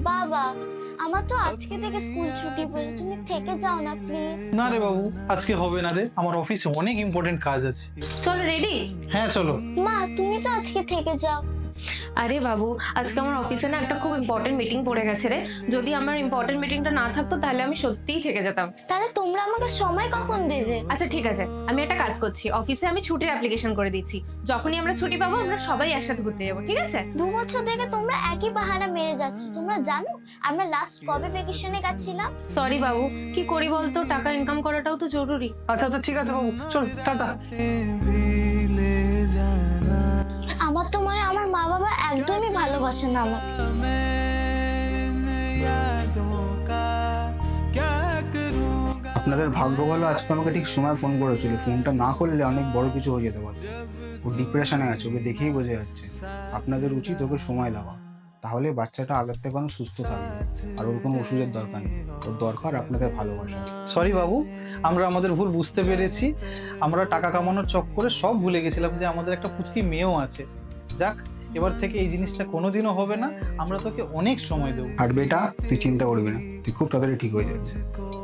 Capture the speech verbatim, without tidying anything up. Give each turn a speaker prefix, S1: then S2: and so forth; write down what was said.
S1: বাবা, আমার তো আজকে থেকে স্কুল ছুটি পড়েছে, তুমি থেকে যাও না প্লিজ।
S2: না রে বাবু, আজকে হবে না রে, আমার অফিসে অনেক ইম্পর্টেন্ট কাজ আছে।
S3: চলো রেডি।
S2: হ্যাঁ চলো।
S1: মা তুমি তো আজকে থেকে যাও।
S3: আরে বাবু, আজকে আমার অফিসে না একটা খুব ইম্পর্টেন্ট মিটিং পড়ে গেছে রে। যদি আমার ইম্পর্টেন্ট মিটিংটা না থাকতো তাহলে আমি সত্যিই থেকে যেতাম।
S1: তাহলে তোমরা আমাকে সময় কখন দেবে?
S3: আচ্ছা ঠিক আছে, আমি একটা কাজ করছি, অফিসে আমি ছুটির অ্যাপ্লিকেশন করে দিচ্ছি। যখনই আমরা ছুটি পাবো আমরা সবাই একসাথে ঘুরতে যাবো, ঠিক আছে?
S1: দু বছর থেকে তোমরা একই বাহানা মেরে যাচ্ছ। তোমরা জানো আমরা লাস্ট কবে ভ্যাকেশনে গেছিলাম?
S3: সরি বাবু, কি করি বলতো, টাকা ইনকাম করাটাও তো জরুরি।
S2: আচ্ছা আচ্ছা ঠিক আছে বাবু, চল টাটা।
S1: আমার তো মনে হয় আমার মা বাবা একদমই ভালোবাসে না আমাকে।
S4: আপনাদের ভাগ্য ভালো, আজকে আমাকে ঠিক সময় ফোন করেছিল। ফোনটা না করলে অনেক বড় কিছু হয়ে যেতে পারে। ও ডিপ্রেশনে আছে, ওকে দেখেই বোঝা যাচ্ছে। আপনাদের উচিত ওকে সময় দেওয়া, তাহলে বাচ্চাটা আগের থেকে অনেক সুস্থ থাকবে। আর ওর কোনো ওষুধের দরকার নেই, ওর দরকার আপনাদের ভালোবাসা।
S2: সরি বাবু, আমরা আমাদের ভুল বুঝতে পেরেছি। আমরা টাকা কামানোর চক্করে সব ভুলে গেছিলাম যে আমাদের একটা পুচকি মেয়েও আছে। যাক, এবার থেকে এই জিনিসটা কোনোদিনও হবে না। আমরা তোকে অনেক সময় দেবো।
S4: আর বেটা, তুই চিন্তা করবি না, তুই খুব তাড়াতাড়ি ঠিক হয়ে যাবে।